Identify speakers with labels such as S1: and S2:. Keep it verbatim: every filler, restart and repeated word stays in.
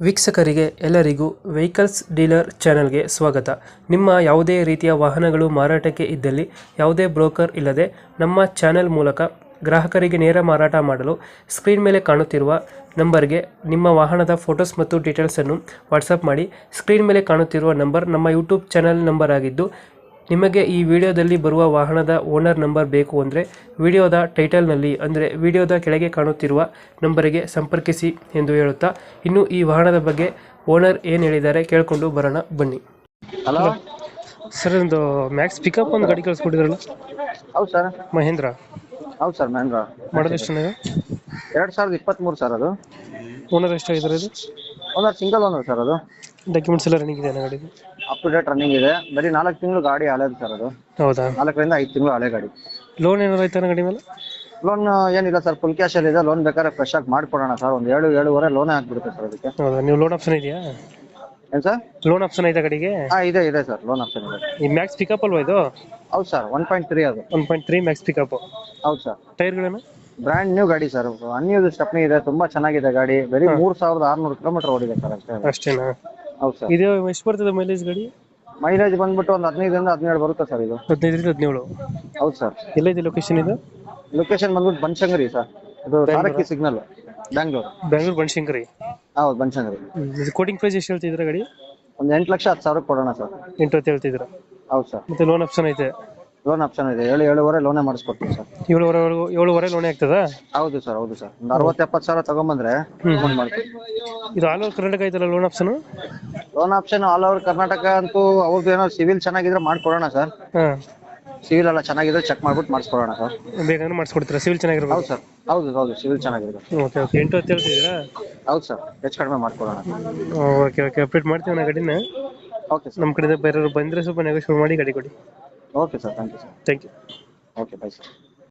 S1: ವೀಕ್ಷಕರಿಗೆ ಎಲ್ಲರಿಗೂ vehicles dealer ಚಾನೆಲ್ಗೆ ಸ್ವಾಗತ. ನಿಮ್ಮ ಯಾವುದೇ ರೀತಿಯ ವಾಹನಗಳು ಮಾರಾಟಕ್ಕೆ ಇದ್ದಲ್ಲಿ ಯಾವುದೇ ಬ್ರೋಕರ್ ಇಲ್ಲದೆ ನಮ್ಮ ಚಾನೆಲ್ ಮೂಲಕ ಗ್ರಾಹಕರಿಗೆ ನೇರ ಮಾರಾಟ ಮಾಡಲು ಸ್ಕ್ರೀನ್ ಮೇಲೆ ಕಾಣುತ್ತಿರುವ ನಂಬರ್ಗೆ ನಿಮ್ಮ ವಾಹನದ ಫೋಟೋಸ್ ಮತ್ತು ಡೀಟೇಲ್ಸನ್ನು ವಾಟ್ಸಪ್ ಮಾಡಿ. ಸ್ಕ್ರೀನ್ ಮೇಲೆ ಕಾಣುತ್ತಿರುವ ನಂಬರ್ ನಮ್ಮ ಯೂಟ್ಯೂಬ್ ಚಾನೆಲ್ ನಂಬರ್ ಆಗಿದ್ದು, ನಿಮಗೆ ಈ ವಿಡಿಯೋದಲ್ಲಿ ಬರುವ ವಾಹನದ ಓನರ್ ನಂಬರ್ ಬೇಕು ಅಂದರೆ ವಿಡಿಯೋದ ಟೈಟಲ್ನಲ್ಲಿ ಅಂದರೆ ವಿಡಿಯೋದ ಕೆಳಗೆ ಕಾಣುತ್ತಿರುವ ನಂಬರಿಗೆ ಸಂಪರ್ಕಿಸಿ ಎಂದು ಹೇಳುತ್ತಾ, ಇನ್ನು ಈ ವಾಹನದ ಬಗ್ಗೆ ಓನರ್ ಏನು ಹೇಳಿದ್ದಾರೆ ಕೇಳಿಕೊಂಡು ಬರೋಣ ಬನ್ನಿ.
S2: ಹಲೋ
S1: ಸರ್, ಒಂದು ಮ್ಯಾಕ್ಸ್ ಪಿಕಪ್ ಒಂದು ಗಾಡಿ ಕಳಿಸ್ಕೊಟ್ಟಿದ್ರಲ್ಲ,
S2: ಹೌದು ಸರ್.
S1: ಮಹೇಂದ್ರ
S2: ಹೌದು ಸರ್, ಮಹೇಂದ್ರ
S1: ಮಾಡೋದು ಎಷ್ಟು ಚೆನ್ನಾಗಿ?
S2: ಎರಡು ಸಾವಿರದ ಇಪ್ಪತ್ತ್ಮೂರು ಸರ್. ಅದು
S1: ಓನರ್ ಎಷ್ಟಾಗಿದ್ದಾರೆ? ಇದು
S2: ಓನರ್ ಸಿಂಗಲ್ ಓನರ್ ಸರ್. ಅದು
S1: ಡಾಕ್ಯುಮೆಂಟ್ಸ್ ಎಲ್ಲ ರನ್ನಿಂಗ್ ಇದೆ ಗಾಡಿದು?
S2: ಅಪ್ ಟು ಡೇಟ್ ರನ್ನಿಂಗ್ ಇದೆ. ಬರೀ ನಾಲ್ಕು ತಿಂಗಳು ಗಾಡಿ ಹಳೇದು ಸರ್. ಅದು
S1: ಹೌದಾ?
S2: ನಾಲ್ಕರಿಂದ ಐದು ತಿಂಗಳು ಹಳೆ ಗಾಡಿ.
S1: ಲೋನ್ ಏನಾರು ಆಯ್ತಾ ಗಾಡಿ ಮೇಲೆ?
S2: ಲೋನ್ ಏನಿಲ್ಲ ಸರ್, ಫುಲ್ ಕ್ಯಾಶಲ್ಲಿ ಇದೆ. ಲೋನ್ ಬೇಕಾದ್ರೆ ಫ್ರೆಶ್ ಆಗಿ ಮಾಡ್ಕೊಡೋಣ ಸರ್. ಒಂದು ಏಳು ಏಳುವರೆ ಲೋನೇ ಆಗ್ಬಿಡುತ್ತೆ ಸರ್ ಅದಕ್ಕೆ.
S1: ಹೌದಾ? ನೀವು ಲೋನ್ ಆಪ್ಷನ್ ಇದೆಯಾ?
S2: ಏನು ಸರ್?
S1: ಲೋನ್ ಆಪ್ಷನ್ ಐತಾ ಗಾಡಿಗೆ?
S2: ಹಾಂ, ಇದೆ ಇದೆ ಸರ್, ಲೋನ್ ಆಪ್ಷನ್ ಇದೆ.
S1: ಈ ಮ್ಯಾಕ್ಸ್ ಪಿಕಪ್ ಅಲ್ವಾ ಇದು?
S2: ಹೌದು ಸರ್, ಒನ್ ಪಾಯಿಂಟ್ ತ್ರೀ ಅದು.
S1: One point three Max pickup.
S2: ಹೌದು ಸರ್.
S1: ಟೈರ್ಗಳೇನು?
S2: ಬ್ರ್ಯಾಂಡ್ ನ್ಯೂ ಗಾಡಿ ಸರ್. ಅನ್ಯೂಸ್ ಸ್ಟೆಪ್ನಿ ಇದೆ, ತುಂಬಾ ಚೆನ್ನಾಗಿದೆ ಗಾಡಿ. ಬರೀ ಮೂರು ಸಾವಿರದ ಆರುನೂರು ಕಿಲೋಮೀಟರ್ ಓಡಿದೆ ಸರ್ ಅಷ್ಟೇ.
S1: ಅಷ್ಟೇನಾ?
S2: ಹೌದು ಸರ್.
S1: ಇದು ಎಷ್ಟು ಬರ್ತದೆ ಮೈಲೇಜ್ ಗಾಡಿ?
S2: ಮೈಲೇಜ್ ಬಂದ್ಬಿಟ್ಟು ಒಂದು ಹದಿನೈದರಿಂದ ಹದಿನೇಳು ಬರುತ್ತೆ ಸರ್ ಇದು.
S1: ಹದಿನೈದರಿಂದ ಹದಿನೇಳು?
S2: ಹೌದು ಸರ್.
S1: ಎಲ್ಲೈತೆ ಲೊಕೇಶನ್ ಇದು?
S2: ಲೊಕೇಶನ್ ಬಂದ್ಬಿಟ್ಟು ಬನಶಂಕರಿ ಸರ್. ಇದು ಸಾರಕ್ಕಿ ಸಿಗ್ನಲ್, ಬ್ಯಾಂಗ್ಳೂರ್.
S1: ಬ್ಯಾಂಗ್ಳೂರ್ ಬನಶಂಕರಿ?
S2: ಹೌದು, ಬನಶಂಕರಿ.
S1: ಇದು ಕೋಟಿಂಗ್ ಪ್ರೈಸ್ ಎಷ್ಟು ಹೇಳ್ತಿದ್ರ ಗಾಡಿ?
S2: ಒಂದು ಎಂಟು ಲಕ್ಷ ಹತ್ತು ಸಾವಿರಕ್ಕೆ ಕೊಡೋಣ ಸರ್.
S1: ಎಂಟು ಹೊತ್ತು ಹೇಳ್ತಿದ್ರ?
S2: ಹೌದು ಸರ್.
S1: ಮತ್ತೆ ಲೋನ್ ಆಪ್ಷನ್ ಐತೆ?
S2: ಲೋನ್ ಆಪ್ಷನ್ ಇದೆ. ಏಳು ಏಳುವರೆ ಲೋನೇ ಮಾಡಿಸ್ಕೊಡ್ತೀವಿ ಸರ್.
S1: ಏಳುವರೆ ಏಳುವರೆ ಲೋನ್ ಆಗ್ತದಾ?
S2: ಹೌದು ಸರ್, ಹೌದು ಸರ್. ಒಂದು ಅರವತ್ತು ಎಪ್ಪತ್ತು ಸಾವಿರ ತಗೊಂಬಂದ್ರೆ ಲೋನ್ ಮಾಡ್ತೀವಿ.
S1: ಇದು ಆಲ್ ಓವರ್ ಕರ್ನಾಟಕ ಐತಲ್ಲ loan option?
S2: Loan option all over Karnataka ಅಂತೂ ಅವ್ರದ್ದು ಏನೋ ಸಿವಿಲ್ ಚೆನ್ನಾಗಿದ್ರೆ ಮಾಡ್ಕೊಡೋಣ ಸರ್.
S1: ಹಾಂ,
S2: ಸಿವಿಲ್ ಎಲ್ಲ ಚೆನ್ನಾಗಿದ್ರೆ ಚೆಕ್ ಮಾಡ್ಬಿಟ್ಟು ಮಾಡಿಸ್ಕೊಡೋಣ ಸರ್.
S1: ಬೇಗನೆ ಮಾಡಿಸ್ಕೊಡ್ತೀರಾ? ಸಿವಿಲ್ ಚೆನ್ನಾಗಿರ್ಬೇಕು?
S2: ಹೌದು ಸರ್. ಹೌದು ಹೌದು, ಸಿವಿಲ್ ಚೆನ್ನಾಗಿದೆ.
S1: Okay okay. ಎಂಟು ಹೊತ್ತು ಹೇಳ್ತಿದ್ದೀರಾ?
S2: ಹೌದು ಸರ್, ಹೆಚ್ಚು ಕಡಿಮೆ ಮಾಡ್ಕೊಡೋಣ.
S1: ಓಕೆ ಓಕೆ, ಅಪ್ಡೇಟ್ ಮಾಡ್ತೀವಿ ನಾ ಗಾಡಿನ.
S2: Okay sir.
S1: ನಮ್ಮ ಕಡೆಯಿಂದ ಬೇರೆಯವರು ಬಂದರೆ ಸ್ವಲ್ಪ ನೆಗೋಷಿಯೇಟ್ ಮಾಡಿ ಗಾಡಿ ಕೊಡಿ.
S2: Okay sir, thank you sir.
S1: Thank you.
S2: Okay, bye sir.